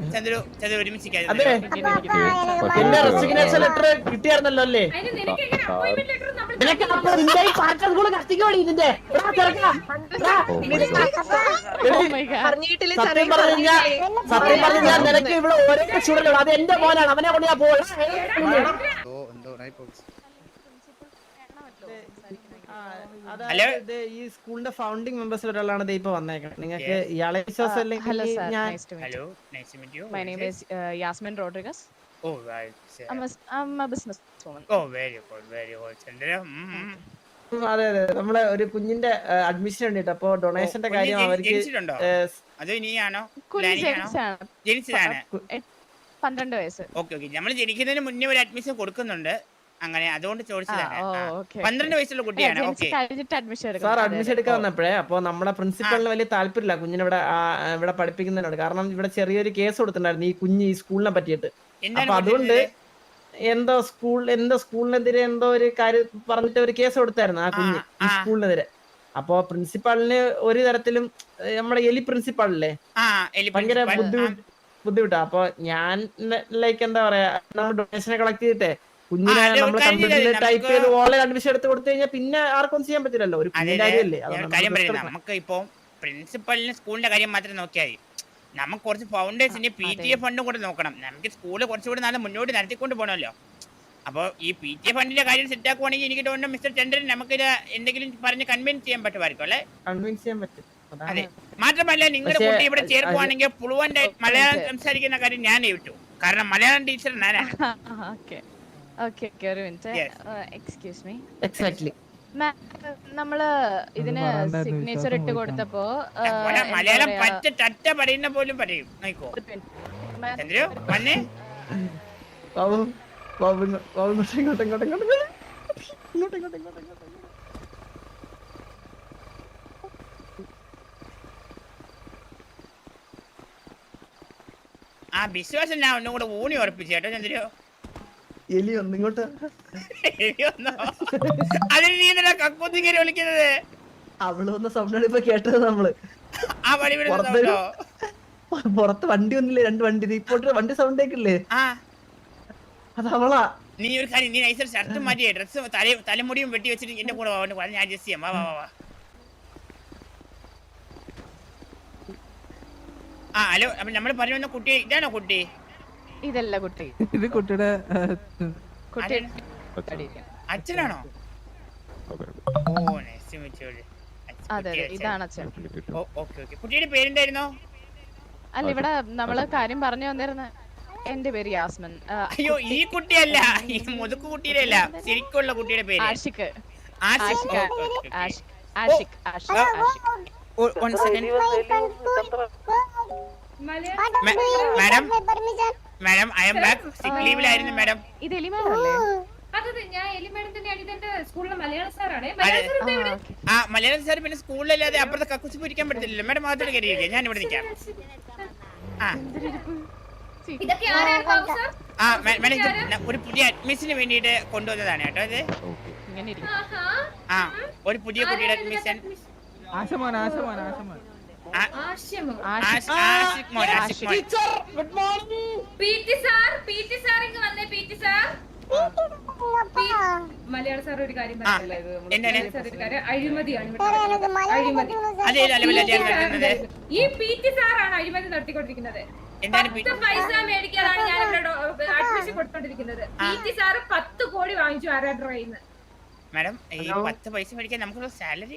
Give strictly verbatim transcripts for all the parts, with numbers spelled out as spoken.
ചന്ദ്രു ചന്ദ്രു ഒരുമിച്ച് കിട്ടിയായിരുന്നല്ലോ അല്ലേ? സത്യം പറഞ്ഞു കഴിഞ്ഞാൽ സത്യം പറഞ്ഞു ഞാൻ നിനക്ക് ഇവിടെ ഒരേ സ്റ്റുഡന്റ് അത് എന്റെ മോനാണ്, അവനെ കൊണ്ട് ഞാൻ പോകണം. അതായത് ഈ സ്കൂളിന്റെ ഫൗണ്ടിംഗ് മെമ്പേഴ്സ് ഒരാളാണ് ഇപ്പൊ വന്നേക്കുന്നത്. നിങ്ങൾക്ക് ഇയാളെ വിശ്വാസം അല്ലെങ്കിൽ ഞാൻ Hello, nice to meet you. My name is uh, Yasmin Rodriguez. Oh, right. I'm a, I'm a businesswoman. Oh, very good, very good. Chandra. അതെ അതെ നമ്മളെ ഒരു കുഞ്ഞിന്റെ അഡ്മിഷൻ വേണ്ടിട്ട് അപ്പൊ ഡൊണേഷന്റെ കാര്യം അവർക്ക് അത് ഇനിയാണോ ജനിച്ചതാണ് പന്ത്രണ്ട് വയസ്സ്. ഓക്കെ ഓക്കെ നമ്മൾ ജനിക്കുന്നതിന് മുന്നേ ഒരു അഡ്മിഷൻ കൊടുക്കുന്നുണ്ട്, അങ്ങനെ അതുകൊണ്ട് ചോദിച്ചതാണ്. പന്ത്രണ്ട് വയസ്സുള്ള കുട്ടിയാണ്. സാർ അഡ്മിഷൻ എടുക്കാൻ വന്നപ്പോഴേ അപ്പൊ നമ്മുടെ പ്രിൻസിപ്പലിന് വലിയ താല്പര്യമില്ല കുഞ്ഞിനെ ഇവിടെ ഇവിടെ പഠിപ്പിക്കുന്നതിനോട്. കാരണം ഇവിടെ ചെറിയൊരു കേസ് കൊടുത്തിട്ടുണ്ടായിരുന്നു ഈ കുഞ്ഞ് ഈ സ്കൂളിനെ പറ്റിയിട്ട്. അപ്പൊ അതുകൊണ്ട് എന്തോ സ്കൂൾ എന്തോ സ്കൂളിനെതിരെ എന്തോ ഒരു കാര്യം പറഞ്ഞിട്ട് ഒരു കേസ് കൊടുത്തായിരുന്നു ആ കുഞ്ഞ് ഈ സ്കൂളിനെതിരെ. അപ്പൊ പ്രിൻസിപ്പാളിന് ഒരു തരത്തിലും നമ്മുടെ എലി പ്രിൻസിപ്പാളില്ലേ ഭയങ്കര ബുദ്ധിമുട്ട് ബുദ്ധിമുട്ടാ. അപ്പൊ ഞാൻ ലൈക്ക് എന്താ പറയാ നമ്മൾ ഡൊണേഷനെ കളക്ട് ചെയ്തിട്ടേ കുഞ്ഞിനെ നമ്മൾ കമ്പ്യൂട്ടറിൽ ടൈപ്പ് ചെയ്ത് ഓൺലൈൻ അഡ്മിഷൻ എടുത്ത് കൊടുത്തു കഴിഞ്ഞാൽ പിന്നെ ആർക്കും ചെയ്യാൻ പറ്റില്ലല്ലോ, ഒരു കുഞ്ഞിന്റെ കാര്യമല്ലേ. നമുക്ക് ഇപ്പൊ പ്രിൻസിപ്പലിന് സ്കൂളിന്റെ കാര്യം മാത്രം നോക്കിയാൽ മതി. നമുക്ക് കുറച്ച് ഫൗണ്ടേഴ്സിന്റെ പി ടി എ ഫണ്ടും കൂടെ നോക്കണം. നമുക്ക് സ്കൂള് കുറച്ചുകൂടി നാളെ മുന്നോട്ട് നടത്തിക്കൊണ്ട് പോകണമല്ലോ. അപ്പോൾ ഈ പി ടി എ ഫണ്ടിന്റെ കാര്യം സെറ്റ് ആക്കുവാണെങ്കിൽ എനിക്ക് തോന്നുന്നു മിസ്റ്റർ ചന്ദ്രൻ നമുക്കിത് എന്തെങ്കിലും പറഞ്ഞ് കൺവിൻസ് ചെയ്യാൻ പറ്റുമായിരിക്കും അല്ലേ? കൺവിൻസ് ചെയ്യാൻ പറ്റും. അതെ, മാത്രമല്ല നിങ്ങളുടെ കുട്ടി ഇവിടെ ചേർക്കുവാണെങ്കിൽ ഫ്ലുവന്റ് മലയാളം സംസാരിക്കുന്ന കാര്യം ഞാൻ വിട്ടു, കാരണം മലയാളം ടീച്ചർ ഞാനാണ്. Excuse me. എക്സാക്ട്ലി. നമ്മള് ഇതിന് സിഗ്നേച്ചർ ഇട്ട് കൊടുത്തപ്പോ മലയാളം പറ്റ ടറ്റ പറയുന്ന പോലും പറയും. ചന്ദ്രു വന്നേ ആ വിശ്വാസം ഞാൻ ഒന്നും കൂടെ ഊണി ഉറപ്പിച്ചു കേട്ടോ ചന്ദ്രു. എലി ഒന്നിങ്ങോട്ട് അതിന് നീ എന്തിനാ കക്കൂത്തിങ്ങനെ വിളിക്കുന്നത്? അവള് വന്ന സൗണ്ടാണ് ഇപ്പൊ കേട്ടത് നമ്മള്. ആ വഴി പുറത്ത് വണ്ടി ഒന്നില്ലേ, രണ്ട് വണ്ടി ഇപ്പോട്ട് വണ്ടി സൗണ്ട് കേക്കില്ലേ, അത് അവളാ. നീ ഒരു കാര്യം, നീ നൈസർ ഷർട്ട് മാറ്റിയേ ഡ്രസ് തല തലമുടിയും വെട്ടി വെച്ചിട്ട് എന്റെ കൂടെ വാ, ഞാൻ അഡ്ജസ്റ്റ് ചെയ്യാം. വാ വാ വാ. ആ ഹലോ, അപ്പൊ നമ്മള് പറഞ്ഞു വന്ന കുട്ടി ഇതാണോ കുട്ടി? ഇതല്ല കുട്ടി, ഇത് കുട്ടിയുടെ അച്ഛനാണോ? Oh nice to meet you. അതെ ഇതാണ് അച്ഛൻ. Okay okay. കുട്ടിയുടെ പേരെന്തായിരുന്നോ? അല്ല ഇവിടെ നമ്മള് കാര്യം പറഞ്ഞു വന്നിരുന്ന എന്റെ പേര് യാസ്മിൻ. അയ്യോ ഈ കുട്ടിയല്ല, ഈ മുതുക്ക് കുട്ടിയുടെ അല്ല, ശരിക്കുള്ള കുട്ടിയുടെ പേര് Ashiq. Ashiq. Ashiq Ashiq one second madam. Madam I am back. Sick ലീവിലായിരുന്നു മാഡം. ഇത് എലി മാഡം അല്ലേ? ആ മലയാളം സാർ പിന്നെ സ്കൂളിലല്ലാതെ അപ്പുറത്തെ കക്കൂസ് പിരിക്കാൻ പറ്റില്ലല്ലോ മാഡം. മാത്രം കയറിയിരിക്കുക, ഞാൻ ഇവിടെ നിൽക്കാം. ആ മാഡം ഒരു പുതിയ അഡ്മിഷന് വേണ്ടിയിട്ട് കൊണ്ടുവന്നതാണ് കേട്ടോ ഇത്. ആ ഒരു പുതിയ കുട്ടിയുടെ അഡ്മിഷൻ. ആശമോൻ ആശമോൻ ആശമോൻ മലയാള സാർ ഒരു കാര്യം അഴിമതിയാണ്. ഈ പി ടി സാറാണ് അഴിമതി നടത്തിക്കൊണ്ടിരിക്കുന്നത്. പൈസ മേടിക്കാനാണ് ഞാൻ ഇവിടെ അഡ്മിഷൻ കൊടുത്തോണ്ടിരിക്കുന്നത്. പി ടി സാറ് പത്ത് കോടി വാങ്ങിച്ചു ആരാധന മാഡം. ഈ പത്ത് പൈസ മേടിക്കാൻ നമുക്കുള്ള സാലറി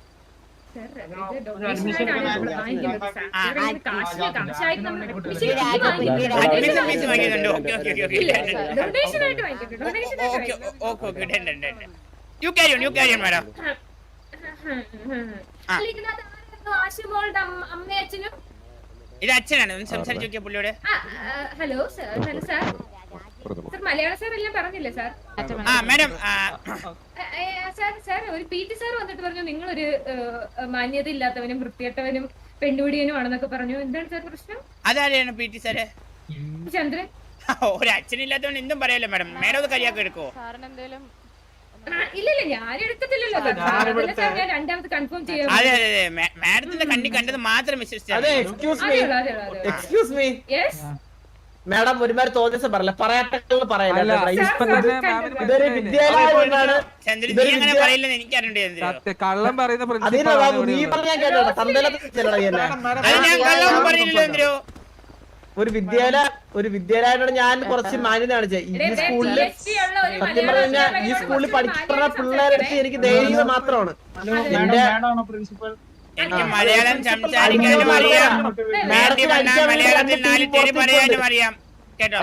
അമ്മയച്ഛനും ഇത് അച്ഛനാണ്. ഒന്ന് സംസാരിച്ചു നോക്കിയ പുള്ളിയോട്. Hello sir, hello sir. Sir Malayala sir എല്ലാം പറഞ്ഞില്ലേ സാർ? ആ മാഡം. സാർ സാർ ഒരു പി ടി സാർ വന്നിട്ട് പറഞ്ഞു നിങ്ങളൊരു മാന്യത ഇല്ലാത്തവനും വൃത്തികെട്ടവനും പെണ്ണുപിടിയനും ആണെന്നൊക്കെ പറഞ്ഞു. എന്താണ് സാർ പ്രശ്നം? അതാരെയാണ് പി ടി സാറ്? ചന്ദ്രൻ. ഒരു അച്ഛനില്ലാത്തവൻ എന്തും പറയാലോ മാഡം. മാഡം അത് കരിയാക്കി എടുക്കോ? സാറിന് എന്തേലും ഇല്ല ഇല്ല ഞാൻ എടുക്കത്തില്ലല്ലോ സാർ. അതല്ല സാർ ഞാൻ രണ്ടാമത് കൺഫേം ചെയ്യാം. അതെ അതെ അതെ മാഡത്തിന്റെ കണ്ണി കണ്ടത് മാത്രം വിശ്വസിച്ചാൽ അതെ മതി. എക്സ്ക്യൂസ് അതെ മീ അതെ അതെ അതെ. എക്സ്ക്യൂസ് മീ യെസ് മാഡം ഒരുമാതിരി തോന്നിയ പറയല്ല പറയാട്ടകൾ പറയല്ല അല്ല, ഇവിടെ. സാർ, ഇപ്പൊ സാർ, തന്നെ സാർ, മാമിന് ഇതൊരു മനസ്സിലായില്ലേ? വിദ്യാലയമാണ്. ചന്ദ്രൻ ഇതൊരു നീ അങ്ങനെ വിദ്യ- പറയില്ലെന്ന് എനിക്കറിയണ്ട് ചന്ദ്രൻ. സത്യം, കള്ളം പറയുന്ന അതിനാ പ്രിൻസിപ്പൾ ബാബു നീ പറഞ്ഞാൽ കേട്ടോ തന്തലത്തിൽ ചെല്ലടാ എന്നെ. അത് ഞാൻ കള്ളൊന്നും പറഞ്ഞില്ല ചന്ദ്രു. ഒരു വിദ്യാലയ ഒരു വിദ്യാലയത്തോട് ഞാൻ കുറച്ച് മാന്യത കാണിച്ചേ ഈ സ്കൂളില് സത്യം പറഞ്ഞു കഴിഞ്ഞാൽ ഈ സ്കൂളിൽ പഠിക്കുന്ന പിള്ളേരെടുത്ത് എനിക്ക് ധൈര്യത മാത്രമാണ്. എന്റെ എനിക്ക് മലയാളം സംസാരിക്കാനും അറിയാം, നേരത്തെ പറഞ്ഞ മലയാളത്തിൽ നാല് തെറി പറയാനും അറിയാം കേട്ടോ.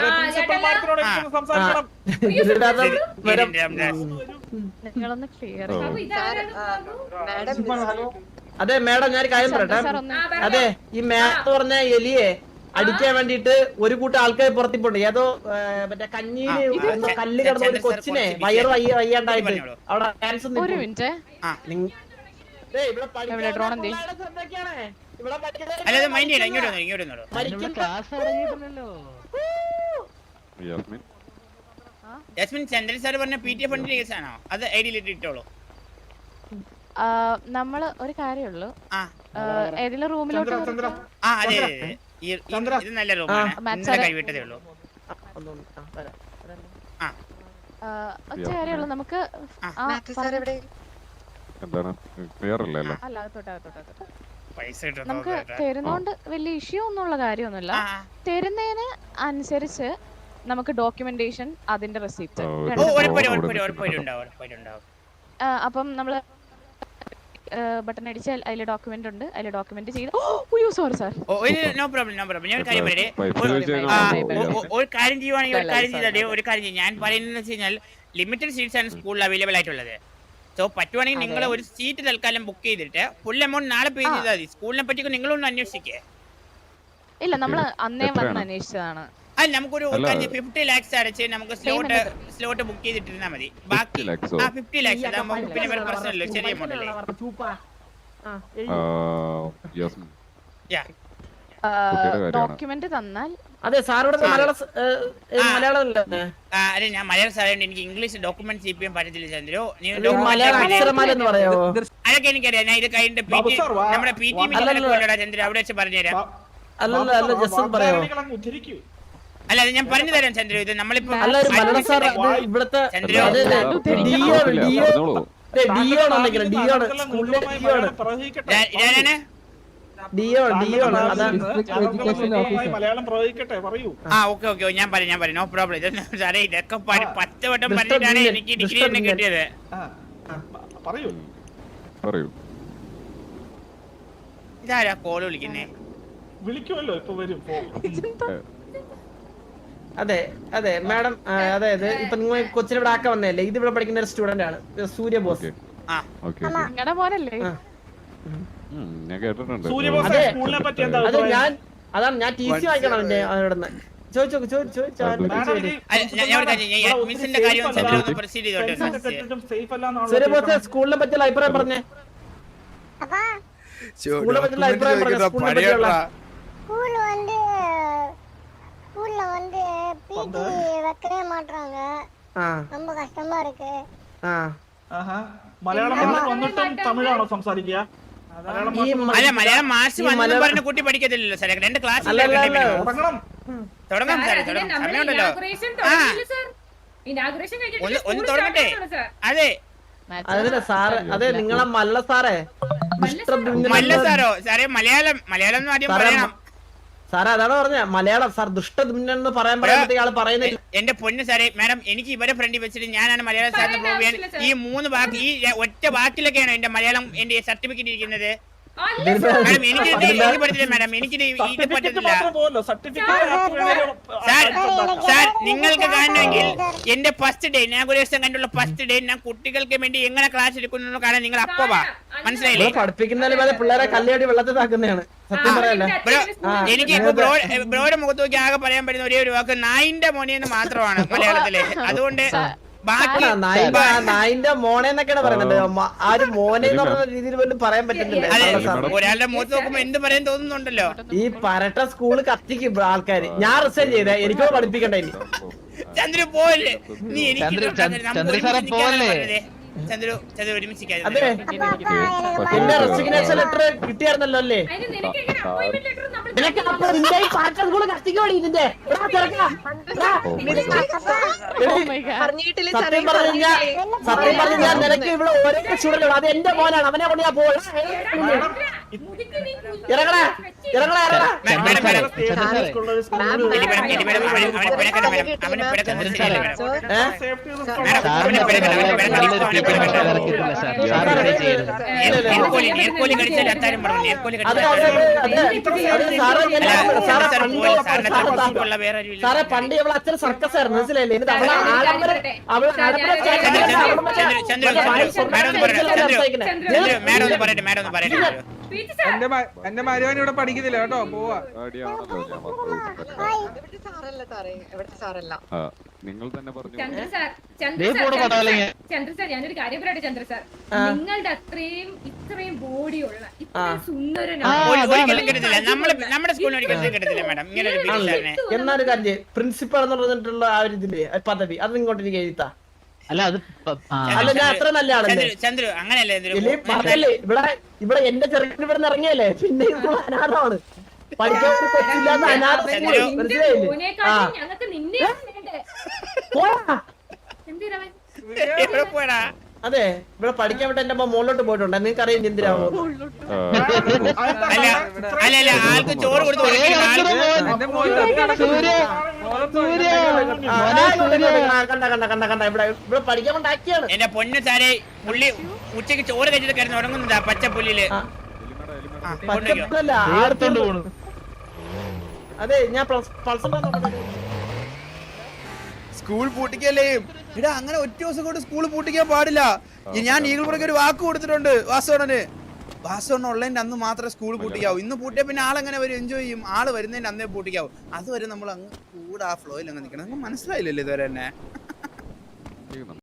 നിങ്ങളൊന്ന് ക്ലിയർ അതെ മേഡം ഞാൻ കാര്യം പറയട്ടെ. സാർ ഒന്ന് അതെ ഈ മേത്ത് പറഞ്ഞ എലിയെ അടിക്കാൻ വേണ്ടിട്ട് ഒരു കൂട്ടം ആൾക്കാർ പുറത്തിപ്പോണ്ട്. ഏതോ ഏ, മറ്റേ കഞ്ഞിയില് എന്തോ കല്ല് കിടന്ന ഒരു കൊച്ചിനെ വയറ് വയ്യ വയ്യാണ്ടായിട്ട് അവിടെ ഡാൻസ് ഒരു മിനിറ്റ് എവിടെ ഡ്രോൺ എന്തി അല്ലാതെ മൈൻഡ് ചെയ്യണം. ഇങ്ങോട്ട് വന്നോ, ഇങ്ങോട്ട് വന്നോ. ജസ്മിൻ ചന്ദ്രൻ സാർ പറഞ്ഞ പി ടി എ ഫണ്ടിന്റെ കേസാണോ അത് ഐ ഡിയിൽ ഇട്ടോളൂ. നമ്മള് ഒരു കാര്യമുള്ളൂ, ആ ഏതെങ്കിലും റൂമിലോട്ട് ആ അതെ അതെ അതെ. ഈ ഈ- ഇത് നല്ല റൂമാണ്. ഇന്നലെ കൈവിട്ടതേ ഉള്ളൂ. ആ ഒറ്റ കാര്യമുള്ളൂ നമുക്ക് ആ, എന്താണ് ക്ലിയർ അല്ലേ അല്ലേ? അല്ല അകത്തോട്ട് അകത്തോട്ട് അകത്തോട്ട് പൈസ കിട്ടും നമുക്ക് തരുന്നോണ്ട് വലിയ ഇഷ്യൂ ഒന്നുള്ള കാര്യമൊന്നുമില്ല. തരുന്നതിന് അനുസരിച്ച് നമുക്ക് ഡോക്യുമെന്റേഷൻ അതിന്റെ റെസിപ്റ്റ് ആ, ഒരു- ഓ ഉറപ്പായിട്ടും ഉറപ്പായിട്ടും ഉറപ്പായിട്ടും ഉണ്ടാവും ഉറപ്പായിട്ടും ഉണ്ടാവും. അപ്പം നമ്മള് ബട്ടൺ അടിച്ചാൽ അതിൽ ഡോക്യുമെന്റ് ഉണ്ട്, അതിൽ ഡോക്യുമെന്റ് ചെയ്ത് ഓ സോറി സാർ ഓ ഒരു നോ പ്രോബ്ലം നോ പ്രോബ്ലം. ഞാൻ ഒരു കാര്യം പറയട്ടെ. പൈസ ഒരു- ചോദിച്ചു ആ, കഴിഞ്ഞാൽ ഒ- ഒ- ഒരു കാര്യം ചെയ്യുവാണെങ്കിൽ ഒരു കാര്യം ചെയ്താൽ ഒരു കാര്യം ചെയ്യും. ഞാൻ പറയുന്നത് വെച്ച് കഴിഞ്ഞാൽ ലിമിറ്റഡ് സീറ്റ്സ് ആണ് സ്കൂളിൽ അവൈലബിൾ ആയിട്ടുള്ളത്. സോ പറ്റുവാണെങ്കിൽ നിങ്ങൾ ഒരു സീറ്റ് തൽക്കാലം ബുക്ക് ചെയ്തിട്ട് ഫുൾ എമൗണ്ട് നാളെ പേ ചെയ്താൽ മതി. സ്കൂളിനെ പറ്റി നിങ്ങളൊന്ന് അന്വേഷിക്കേ. ഇല്ല നമ്മള് അന്നേ വന്ന് എത്രയാണ്? അന്വേഷിച്ചതാണ്. അല്ല നമുക്കൊരു അല്ല. ഫിഫ്റ്റി ലാക്സ് അടച്ച് നമുക്ക് സ്ലോട്ട് സ്ലോട്ട് ബുക്ക് ചെയ്തിട്ടിരുന്നാൽ മതി. ബാക്കി ഫിഫ്റ്റി lakhs ഓ? ആ ഫിഫ്റ്റി ലാക്സ് അതാകുമ്പോൾ പിന്നെ വേറെ പ്രശ്നമല്ലോ, ചെറിയ എമൗണ്ട് അല്ലേ. യാസ്മിൻ Yeah. കുട്ടിയുടെ കാര്യമാണ്. ഡോക്യുമെന്റ് തന്നാൽ അതെ സാറോട് മലയാളം സ്- ഏ, ഏ, ആ. മലയാളം അല്ലേ ആ, അതെ ഞാൻ മലയാളം സാറേണ്ട് എനിക്ക് ഇംഗ്ലീഷ് ഡോക്യുമെന്റ് ചെയ്യാൻ പറ്റത്തില്ല ചന്ദ്രു. നീ ഈ document മലയാളം ചെയ്ത് അക്ഷരമാല എന്ന് പറയാവോ? അതൊക്കെ എനിക്കറിയാം. ഞാൻ ഇത് കഴിഞ്ഞിട്ട് പി ടി നമ്മുടെ പി ടി മീറ്റിംഗിലൊക്കെ ചന്ദ്രു അവിടെ വെച്ച് പറഞ്ഞുതരാം. അല്ലല്ല അല്ല ജസ്റ്റ് പറയാവോ? അല്ല അത് ഞാൻ പറഞ്ഞു തരാം ചന്ദ്രു. ഇത് നമ്മളിപ്പോ അല്ല ഒരു മലയാളം സാർ ഇത് ഇവിടുത്തെ ചന്ദ്രു. അതെ അതെ ഡിയോ കുഴപ്പമില്ല, ഡിയോ പറഞ്ഞോളൂ. ഡിയോ ആണെങ്കിലും ഡിയോ ആണ് സ്കൂളിലെ ഡിയോ ആണ് ഞാൻ- ഞാനാണ് ഡിയോ ഡിയോ ആണ് അതാ മലയാളം പ്രവചിക്കട്ടെ പറയൂ. ആ ഓക്കെ ഓക്കെ ഞാൻ പറയാം ഞാൻ പറയാം നോ പ്രോബ്ലം. ഇത് സാറേ ഇതൊക്കെ പ- പത്ത് വട്ടം മിസ്റ്റർ പറഞ്ഞിട്ടാണ് ബില്യൻ, എനിക്ക് ഡിഗ്രി മിസ്റ്റർ തന്നെ ബില്യൻ. കിട്ടിയത്. ആ, പറയൂ. പറയൂ. ഇതാരാ കോള് വിളിക്കുന്നേ? വിളിക്കുമല്ലോ ഇപ്പൊ വരും പോ. അതെ അതെ മാഡം അതായത് ഇപ്പൊ നിങ്ങൾ കൊച്ചിനെ ഇവിടെ ആക്കാൻ വന്നതല്ലേ, ഇത് ഇവിടെ പഠിക്കുന്ന ഒരു സ്റ്റുഡന്റ് ആണ് സൂര്യ ബോസ്. ആ ഓക്കെ നിങ്ങളുടെ പോലല്ലേ ആ. ഞാൻ കേട്ടിട്ടുണ്ട്. സൂര്യബോസ് അതെ. സ്കൂളിനെ പറ്റി എന്താ അതെ അഭിപ്രായം? ഞാൻ അതാണ് ഞാൻ ടി സി വാങ്ങിക്കണം അവന്റെ അവനോട് ചോദിച്ചോ ചോദിച്ചോ മാഡം, ഇത് അല്ല, ഞാൻ- ഞാൻ ഒരു കാര്യം ചെയ്യാം. ഈ ഇവിടെ അഡ്മിഷന്റെ ഒത്തിരി കാര്യം safe ചന്ദ്രു അല്ല. ഒന്ന് പ്രൊസീഡ് ചെയ്തോട്ടെ. Friends ഒക്കെ തെറ്റിട്ടും safe അല്ലാന്നാണല്ലോ സൂര്യ ബോസ് കേൾക്കുന്നത്. സ്കൂളിനെ പറ്റിയുള്ള അഭിപ്രായം പറഞ്ഞേ. സ്കൂളിനെ പറ്റിയുള്ള അഭിപ്രായം പറഞ്ഞേ. സ്കൂളിനെ പറ്റിയുള്ള ஸ்கூல்ல வந்து ஸ்கூல்ல வந்து பிடி வைக்கவே மாட்றாங்க. ആ ரொம்ப கஷ்டமா இருக்கு. ആ ആഹാ. മലയാളം മാഷ് വന്നിട്ടും തമിഴാണോ സംസാരിക്കുക? മലയാളം ഈ മാഷ് മ- അല്ല മലയാളം മാർച്ച് ഈ വന്നു മലയാളം- പറഞ്ഞ കുട്ടി പഠിക്കത്തില്ലല്ലോ സാറേ. രണ്ട് ക്ലാസ് അല്ല, അല്ല, അല്ല. തുടങ്ങണം. തുടങ്ങാം സാറേ അതിന് തുടങ്ങാം. നമ്മുടെ സമയമുണ്ടല്ലോ. inauguration ആ തുടങ്ങിയില്ല സാർ. Inauguration കഴിഞ്ഞിട്ട് ഒന്ന് ഒന്ന് school തുടങ്ങട്ടെ. start ആയിട്ടുള്ളൂ സാർ. അതെ അതല്ല സാറ് അതെ നിങ്ങളെ മല്ല സാറേ മിസ്റ്റർ ബിന്ദു മല്ല സാറോ സാറേ മലയാളം മലയാളം എന്ന് ആദ്യം സാറേ, പറയണം. സാറേ അതാണ് പറഞ്ഞ മലയാളം സാർ ദുഷ്ടദുമ്നൻ എന്ന് പറയാൻ പറയാൻ ഇയാള് പറയുന്നില്ല. എന്റെ പൊന്ന് സാറേ മാഡം എനിക്ക് ഇവരെ ഫ്രണ്ടിൽ വെച്ചിട്ട് ഞാനാണ് മലയാളം സാറിന് പ്രൂവ് ചെയ്യാൻ ഈ മൂന്ന് വാക്ക് ഈ ഒറ്റ വാക്കിലൊക്കെയാണ് എന്റെ മലയാളം എന്റെ സർട്ടിഫിക്കറ്റ് ഇരിക്കുന്നത്. അല്ല ഇതിന് സാർ. മാഡം എനിക്ക് ഇത് എനിക്ക് പറ്റത്തില്ല മാഡം എനിക്ക് ഇത് ഇത് സർട്ടിഫിക്കറ്റ് പറ്റത്തില്ല മാത്രം പോലോ സർട്ടിഫിക്കറ്റ് സാർ സാർ നിങ്ങൾക്ക് കാണണമെങ്കിൽ എന്റെ ഫസ്റ്റ് ഡേ ഇനാഗുറേഷൻ കണ്ടുള്ള ഫസ്റ്റ് ഡേ ഞാൻ കുട്ടികൾക്ക് വേണ്ടി എങ്ങനെ ക്ലാസ് എടുക്കുന്നു കാണാൻ നിങ്ങൾ അപ്പോ വാ. മനസ്സിലായില്ലേ? ഇവിടെ പഠിപ്പിക്കുന്നതിന് പോലെ പിള്ളേരെ കല്ലേടി വെള്ളത്തിൽ താക്കുന്നതാണ് സത്യം പറയല്ലേ. ബ്രോ ആ, എനിക്ക് ഇപ്പൊ ബ്രോ ബ്രോയുടെ മുഖത്ത് നോക്കി ആകെ പറയാൻ പറ്റുന്ന ഒരേ ഒരു വാക്ക് നായിന്റെ മോനെന്ന് മാത്രമാണ് മലയാളത്തില്. അതുകൊണ്ട് ബാക്കി ആ, നായിന്റെ ആ, നായിന്റെ മോനെ എന്നൊക്കെയാണ് പറയുന്നത്. മ- ആ ഒരു മോനെ എന്ന് പറഞ്ഞ രീതിയിൽ പോലും പറയാൻ പറ്റുന്നില്ല. അതെ സാറേ, സാർ. ഒരാളുടെ മുഖത്ത് നോക്കുമ്പോ എന്ത് പറയാൻ തോന്നുന്നുണ്ടല്ലോ. ഈ പരട്ട സ്കൂള് കത്തിക്കും ആൾക്കാര്. ഞാൻ റിസൈൻ ചെയ്തേ എനിക്കോ പഠിപ്പിക്കണ്ട ഇനി ചന്ദ്രു പോലെ നീ എനിക്ക് ചന്ദ്രു, ഇതൊക്കെ ചന്ദ്രു, നമുക്ക് ചന്ദ്രു ഒരുമിച്ച് സാറേ നിൽക്കാനാണ് പോലെ. പറഞ്ഞത്. ചന്ദ്രു ചന്ദ്രു ഒരുമിച്ച് നിൽക്കാതെ. അതെ എന്റെ റെസിഗ്നേഷൻ ലെറ്റർ കിട്ടിയായിരുന്നല്ലോ അല്ലേ അതിന് നിനക്ക് എങ്ങനെ അപ്പോയിന്റ്മെന്റ് ലെറ്റർ നമ്മൾ നിനക്ക് അപ്പൊ നിന്റെ ഈ പാറ്റേൺ കൂടെ കത്തിക്കോടി ഇതിന്റെ എടാ ചെറുക്കാ. എടാ, എടി, സത്യം പറഞ്ഞു കഴിഞ്ഞാൽ സത്യം പറഞ്ഞു കഴിഞ്ഞാൽ നിനക്ക് ഇവിടെ ഒരേ സ്റ്റുഡന്റ് അത് എന്റെ മോനാണ് അവനെ കൊണ്ട് ഞാൻ പോയി ഇറങ്ങടാ ഇറങ്ങടാ ഇറങ്ങടാ മാഡം, മാഡം, മാഡം. സ്കൂളിൽ എലി മാഡം, എലി മാഡം, അവനെ അവനെ പിഴക്കണം മാഡം. അവനെ പിഴക്കുന്നത് ശരിയല്ല മാഡം. സേഫ്റ്റി മാഡം, അവനെ പിഴക്കണം, അവനെ പിഴക്കണം. ഇപ്പോൾ അവനെ പിഴക്കണം. നേർ- നേർക്കോലി നേർക്കോലി കടിച്ചാൽ അത്താരം പറഞ്ഞു. നേർക്കോലി അതെ കടിച്ചാൽ അതെ അത്താരം അതെ പറഞ്ഞു. അതെ അതെ സാറേ അല്ല, ഞാൻ- സാറേ സാർ പണ്ട് പോലെ സാറിനെ സാറേ തട്ടിപ്പുള്ള വേറെ ആരും ഇല്ല. സാറേ പണ്ട് ഇവളെ അച്ഛൻ സർക്കസ് ആയിരുന്നു മനസ്സിലായില്ലേ എന്നിട്ട് അവളെ ആഡംബര അവളെ ആഡംബര ചന്ദ്രു, ചന്ദ്രു, ചന്ദ്രു, ചന്ദ്രു, മാഡം ഒന്ന് പറയട്ടെ. ചന്ദ്രു, ചന്ദ്രു, മാഡം ഒന്ന് പറയട്ടെ, മാഡം ഒന്ന് പറയട്ടെ. പി ടി സാർ എന്റെ മ- എന്റെ മരുവാൻ ഇവിടെ പഠിക്കുന്നില്ല കേട്ടോ പോവാ ആടിയാണല്ലോ ഞാൻ മാത്രം ആ നിങ്ങൾ തന്നെ പറഞ്ഞു ചന്ദ്ര സാർ ചന്ദ്ര ദേ സാർ പോണു ചന്ദ്ര പടവലങ്ങ. സാർ, ചന്ദ്ര സാർ ഞാനൊരു കാര്യം പറയട്ടെ ചന്ദ്ര സാർ നിങ്ങളുടെ അത്രയും ഇത്രയും ബോഡിയുള്ള ഇത്രയും സുന്ദരനാണ് ഒരു- ഒരിക്കലും കിട്ടത്തില്ല. നമ്മള് നമ്മുടെ സ്കൂളിൽ ഒരിക്കലും കിട്ടത്തില്ല മാഡം ഇങ്ങനെ ഒരു ബിരുദാരനെ. എന്നൊരു കാര്യം പ്രിൻസിപ്പൾ എന്ന് പറഞ്ഞിട്ടുള്ള ആ ഒരു ഇതില്ലേ ആ പദവി അത് ഇങ്ങോട്ട് എനിക്ക് എഴുതാ അല്ല അത് പ- ആ. അല്ല ഞാൻ അത്ര നല്ല ആളല്ലേ ചന്ദ്രു, ചന്ദ്രു അങ്ങനെയല്ലേ ചന്ദ്രു? ഇല്ലേ പറഞ്ഞല്ലേ ഇവിടെ ഇവിടെ എന്റെ ചെറുക്കൻ ഇവിടെ നിന്ന് ഇറങ്ങിയല്ലേ പിന്നെ ഇത് അനാഥമാണ് പഠിക്കാൻ ഒരു കൊച്ചില്ലാത്ത അനാഥ സ്കൂൾ. ചന്ദ്രു. മനസ്സിലായില്ലേ ആ മോനെക്കാട്ടും ഞങ്ങൾക്ക് നിന്നെ വേണ്ടേ പോടാ. എന്തിനാ എവിടെ പോയടാ? അതെ ഇവിടെ പഠിക്കാൻ വിട്ട് എന്റെ അമ്മ മുകളിലോട്ട് പോയിട്ടുണ്ട് നിങ്ങൾക്ക് അറിയാം എന്തിനാവോ ആ, അല്ല അല്ല അല്ല ആൾക്ക് ചോറ് കൊടുത്ത് ഏയ്, ഉറക്കിയിട്ട് ആൾ- അത്ര മോൻ. എന്റെ മോൻ സൂര്യ സൂര്യ കണ്ട കണ്ട കണ്ട കണ്ട ഇവിടെ ഇവിടെ പഠിക്കാൻ കൊണ്ടാക്കിയാണ് എന്റെ പൊന്നു സാരെ പുള്ളി ഉച്ചക്ക് ചോറ് കഴിച്ചിട്ട് കിടന്ന് ഉറങ്ങുന്നതാ പച്ച പുല്ലില്. ആ. ആ, കൊണ്ടുപോയിക്കോ. പച്ചപ്പല്ല എടുത്തോണ്ട് പോണു അതെ ഞാൻ പൾസർ സ്കൂൾ പൂട്ടിക്കല്ലേ ഇടാ അങ്ങനെ ഒറ്റ ദിവസം കൊണ്ട് സ്കൂൾ പൂട്ടിക്കാൻ പാടില്ല ഈ ഞാൻ ഈഗിൾ പുറകെ ഒരു വാക്ക് കൊടുത്തിട്ടുണ്ട് വാസവണ്ണന് വാസവണ്ണ ഉള്ളതിന്റെ അന്ന് മാത്രമേ സ്കൂൾ പൂട്ടിക്കാവൂ ഇന്ന് പൂട്ടിയാൽ പിന്നെ ആളെങ്ങനെ വരും എൻജോയ് ചെയ്യും ആള് വരുന്നതിന്റെ അന്നേ പൂട്ടിക്കാവൂ അതുവരെ നമ്മൾ അങ്ങ് കൂടെ ആ ഫ്ലോയിൽ അങ്ങ് നിൽക്കണം നിങ്ങൾക്ക് മനസ്സിലായില്ലല്ലോ ഇതുവരെ തന്നെ ചെയ്യുന്നുണ്ട്.